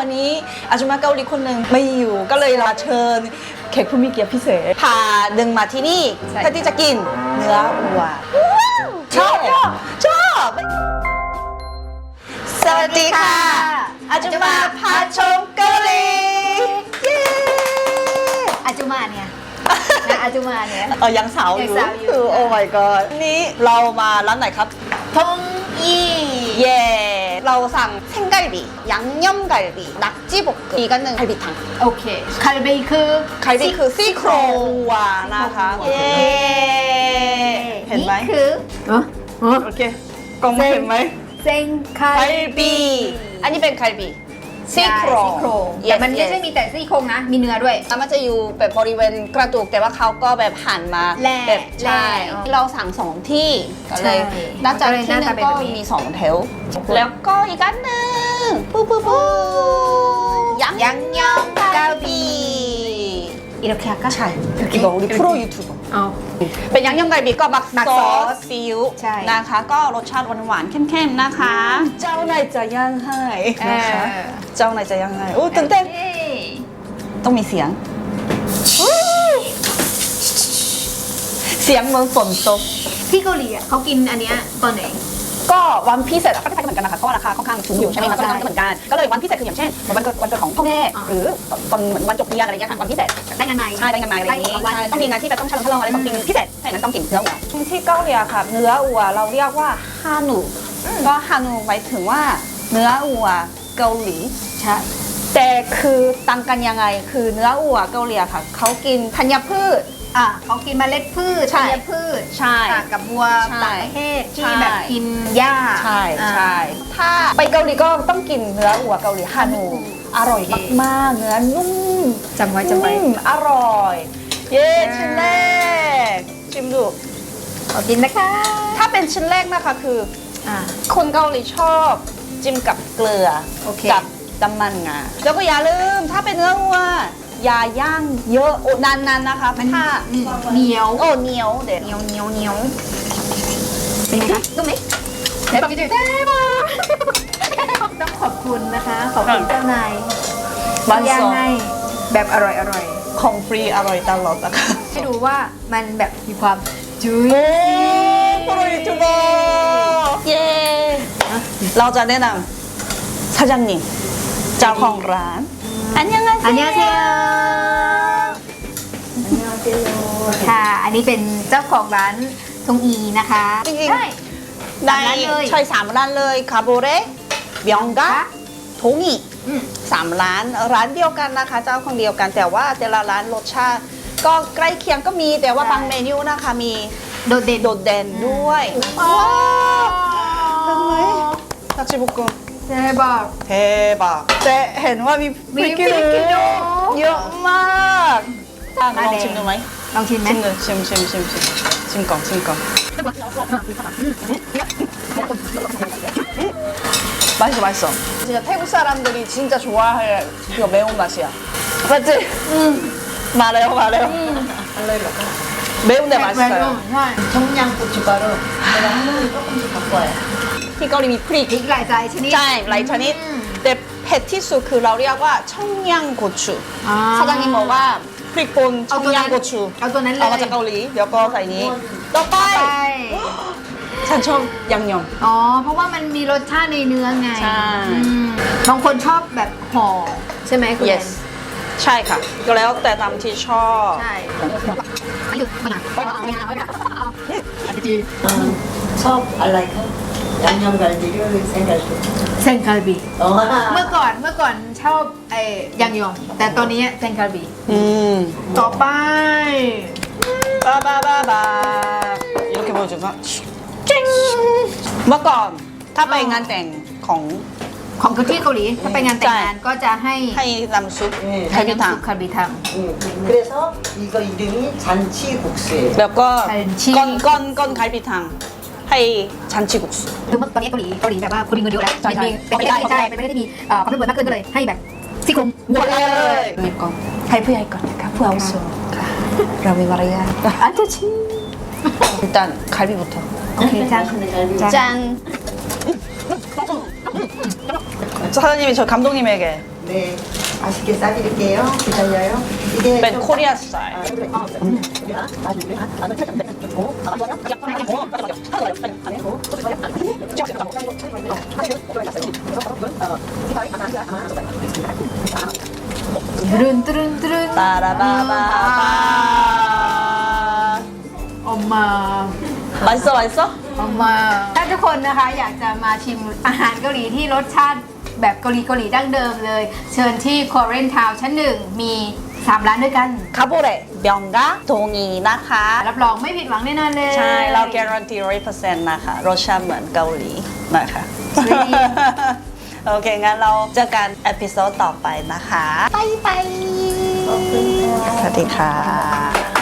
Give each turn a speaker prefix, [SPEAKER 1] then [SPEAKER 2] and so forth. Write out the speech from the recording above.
[SPEAKER 1] วันนี้อาจุมาเกาหลีคนหนึ่งไม่อยู่ก็เลยเราเชิญแขกผู้มีเกียรติพิเศษพาดึงมาที่นี่เพื่อที่จะกินเนื้อวัวชอบสวัสดีค่ะอาจุมาพาชมเกาหลีเย้
[SPEAKER 2] อาจุมาเนี่ยอาจุมาเนี่ย
[SPEAKER 1] ยังสาวอยู่
[SPEAKER 2] ยังสาวอยู่
[SPEAKER 1] คือโอ้ my god นี้เรามาร้านไหนครับ
[SPEAKER 2] ทงอี
[SPEAKER 1] เย่เราสั่ง생갈비 양념갈비 낙지볶음 이거는 갈비탕
[SPEAKER 2] โอเคคาร์บีคือ
[SPEAKER 1] 갈비คือซี่โครงวัวนะคะเย่เห็นไหม
[SPEAKER 2] นี่คือ
[SPEAKER 1] โอเคกล้องไม่เห็นไหม
[SPEAKER 2] เซงคาร์
[SPEAKER 1] 갈비 อันนี้เป็น 갈비 ซี่โครง
[SPEAKER 2] แต่มันไม่ใช่มีแต่ซี่โครงนะมีเนื้อด้วย
[SPEAKER 1] แล้วมันจะอยู่แบบบริเวณกระดูกแต่ว่าเขาก็แบบหั่นมา
[SPEAKER 2] แล่
[SPEAKER 1] แบบใช่
[SPEAKER 2] อ๋อ
[SPEAKER 1] เราสั่งสองที่ก็เลย
[SPEAKER 2] ใช่
[SPEAKER 1] น่าจะ
[SPEAKER 2] ก็เลย
[SPEAKER 1] ที่
[SPEAKER 2] น่า
[SPEAKER 1] นึ
[SPEAKER 2] จะ
[SPEAKER 1] ง
[SPEAKER 2] เป็น
[SPEAKER 1] ก็
[SPEAKER 2] แบบนี้
[SPEAKER 1] มีสองแถวแล้วก็อีกอันหนึ่งปู양념갈비
[SPEAKER 2] 이렇게 할까?
[SPEAKER 1] ใช่이거 우리 프로 유튜버
[SPEAKER 2] อ๋อ
[SPEAKER 1] เป็น양념갈비ก็มัก
[SPEAKER 2] หมัก
[SPEAKER 1] ซ
[SPEAKER 2] ซ
[SPEAKER 1] อ
[SPEAKER 2] อ
[SPEAKER 1] ส
[SPEAKER 2] ส
[SPEAKER 1] ซีอิ๊ว
[SPEAKER 2] ใช่
[SPEAKER 1] นะคะก็รสชาติหวานๆเข้มๆนะคะ เจ้านายจะย่างให้นะคะเจ้านายจะย่างให้โอ้ตื่นเต้นต้องมีเสียงเสียงเหมือนฝนตก
[SPEAKER 2] ที่เกาหลีอ่ะเขากินอันเนี้ยตอนไหน
[SPEAKER 1] ก็วันพิเศษก็คล้ายๆเหมือนกันนะคะเพราะว่าราคาค่อนข้างสูงอยู่ใช่ไหมคะก็เลยเหมือนกันก็เลยวันพิเศษคืออย่างเช่นวันเกิดของพ่อแม่หรือตอนเหมือนวันจบเรียนอะไรอย่างเงี้ยค่ะวันพิเศษ
[SPEAKER 2] ได้งานไหน
[SPEAKER 1] ใช่ได้งานมาอะไรอย่างงี้
[SPEAKER 2] วัน
[SPEAKER 1] ใช่ต้องมีงานที่แบบต้องฉลองอะไรสักสิ่งพิเศษถ้าอย่างนั้นต้องกินเนื้อวัวที่เกาหลีค่ะเนื้อวัวเราเรียกว่าฮานูก็ฮานูหมายถึงว่าเนื้อวัวเกาหลี
[SPEAKER 2] ใช่
[SPEAKER 1] แต่คือต่างกันยังไงคือเนื้อวัวเกาหลีค่ะเขากินธัญพืช
[SPEAKER 2] เขากินเมล็ดพืช
[SPEAKER 1] ใช่
[SPEAKER 2] ธัญพืช
[SPEAKER 1] ใช่
[SPEAKER 2] ต่างกับวัว
[SPEAKER 1] ใช่
[SPEAKER 2] ต่างประเทศที่
[SPEAKER 1] ใช่
[SPEAKER 2] แบบกินหญ้า
[SPEAKER 1] ใช่
[SPEAKER 2] อ่า
[SPEAKER 1] ใช่ถ้าไปเกาหลีก็ต้องกินเนื้อวัวเกาหลีฮานูอร่อยมากๆเนื้อนุ่ม
[SPEAKER 2] จำไว้จำไว้
[SPEAKER 1] อร่อย เย้ชิ้นแรกชิมดู
[SPEAKER 2] ขอกินนะคะ
[SPEAKER 1] ถ้าเป็นชิ้นแรกนะคะคือ คนเกาหลีชอบจิ้มกับเกลือ
[SPEAKER 2] โอเค
[SPEAKER 1] กับน้ำมันงาแล้วก็อย่าลืมถ้าเป็นเนื้อวัวอย่าย่างเยอะโอ้นานๆนะคะถ้า
[SPEAKER 2] เหนียว
[SPEAKER 1] โอ้เหนียวเด็ด
[SPEAKER 2] เหนียวเป็นไงคะนุ่มไหมเดี๋ยวกินได้มาต้องขอบคุณนะคะ ขอบคุณเจ้านาย
[SPEAKER 1] บ้าน
[SPEAKER 2] ย่าง
[SPEAKER 1] ซอง
[SPEAKER 2] ให้แบบอร่อย
[SPEAKER 1] ของฟรีอร่อยตลอดนะคะ
[SPEAKER 2] ให้ดูว่ามันแบบมีความจุย
[SPEAKER 1] โอ้โปรยูทูบเบอร์เย้เราจะแนะนำ사장님เจ้าของร้านอันยังไง
[SPEAKER 2] อันนี้เที่ยวค่ะ อันนี้เป็นเจ้าของร้านทงอีนะคะ
[SPEAKER 1] จริงๆ
[SPEAKER 2] ใช่
[SPEAKER 1] ใน
[SPEAKER 2] ร้านเลย
[SPEAKER 1] ใช่3 ร้านเลยคาโบเร่เบียงกาทงอี3 ร้านเดียวกันนะคะ เจ้าของเดียวกันแต่ว่าแต่ละร้านรสชาติก็ใกล้เคียงก็มีแต่ว่าบางเมนูนะคะมี
[SPEAKER 2] โดดเด่น
[SPEAKER 1] โดดเด่นด้วยว้าวเห็นไหมนักชิบุกุม
[SPEAKER 2] เจ๊บอก
[SPEAKER 1] เทบะแต่เห็นว่ามีพริกขี้หนู
[SPEAKER 2] พริกขี้หนู
[SPEAKER 1] เยอะมากลองชิมดูไหม
[SPEAKER 2] ลองชิมไหม
[SPEAKER 1] ชิมก่อน맛있어 진짜 태국 사람들이 진짜 좋아할 그 매운맛이야 맞지? 말해요 매운데 맛있어요
[SPEAKER 2] ใช่
[SPEAKER 3] 청양고춧가루 내가 하나를 조금씩 바꿔요.
[SPEAKER 1] ที่เกาหลีมีพริก
[SPEAKER 2] พริกหลายใจชนิด
[SPEAKER 1] ใช่หลายชนิดแต่เผ็ดที่สุดคือเราเรียกว่าช่องย่างโกชู 사장님บอกว่าพริกป่นช่องย่างโกชู
[SPEAKER 2] เอาตัวนั้นเลย
[SPEAKER 1] เอามาจากเกาหลีเดี๋ยวก็ใส่นี้ต่อไป
[SPEAKER 2] ไป
[SPEAKER 1] ฉันชอบยังยอง
[SPEAKER 2] อ๋อ เพราะว่ามันมีรสชาติในเนื้อไง
[SPEAKER 1] ใช่
[SPEAKER 2] บางคนชอบแบบห่อใช่ไหมคุณแอน
[SPEAKER 1] yes ใช่ค่ะก็แล้วแต่ตามที่ชอบ
[SPEAKER 2] ใช่
[SPEAKER 3] 첩 알라이카 양념갈비를 생갈비.
[SPEAKER 2] เซนคาร์บี
[SPEAKER 3] 어.
[SPEAKER 2] เมื่อก่อนชอบยังยองแต่ตอนนี้เซนคาร์บี ต่อไป
[SPEAKER 1] 바바바바 이렇게 보여줘서 쨍เมื่อก่อนถ้าไปงานแต่งของ
[SPEAKER 2] ของที่เกาหลีถ้าไปงานแต่งงานก็จะให้
[SPEAKER 1] ให้น้ำซุป
[SPEAKER 2] ให้
[SPEAKER 1] ไทยพิ
[SPEAKER 2] น้ำ
[SPEAKER 1] ถัง
[SPEAKER 2] ซุปคาร์บีท
[SPEAKER 3] 그래서 이거 이름이 잔치국수예요.
[SPEAKER 1] แล้วก็
[SPEAKER 2] ไข่ชี
[SPEAKER 1] ก้อนไข่พิถังให้ชันชิกุส
[SPEAKER 2] ำคือเมื่อตอนนี้เกาหลีแบบว่าคนมีเงินเยอะแล้ว
[SPEAKER 1] ใช่ใช่
[SPEAKER 2] เป็นประเทศที่ใช่เป็นประเทศที่มีความร่ำรวยมากขึ้นก็เลยให้แบบซี่โครงวัวเลย
[SPEAKER 1] มีก่อนให้ผู้ใหญ่ก่อนนะคะผู้อาวุโสค่ะเรามีมารยาทอันจะชิ일단 갈비부터
[SPEAKER 2] โอเคจ้า
[SPEAKER 3] 갈비.
[SPEAKER 1] 짠 사장님이 저 감독님에게
[SPEAKER 3] 네, 맛있게 싸드릴게요. 기다려요. 이게
[SPEAKER 1] เป็น
[SPEAKER 3] 좀
[SPEAKER 1] โคเรียสไตล์
[SPEAKER 2] ตรึน
[SPEAKER 1] ตาราบาบาบา
[SPEAKER 2] 엄마
[SPEAKER 1] 맛있어?
[SPEAKER 2] 엄마 ถ้าทุกคนนะคะอยากจะมาชิมอาหารเกาหลีที่รสชาติแบบเกาหลีดั้งเดิมเลย เชิญที่ Korean Town ชั้นหนึ่งมี 3 ร้านด้วยกัน
[SPEAKER 1] คาโบเระเบียงกาโทงีนะคะ
[SPEAKER 2] รับรองไม่ผิดหวังแน่นอนเลย
[SPEAKER 1] ใช่ เราการันตี 100% นะคะ รสชาติเหมือนเกาหลีนะคะ โอเค งั้นเราเจอกันเอพิโซดต่อไปนะคะ ไปสวัสดีค่ะ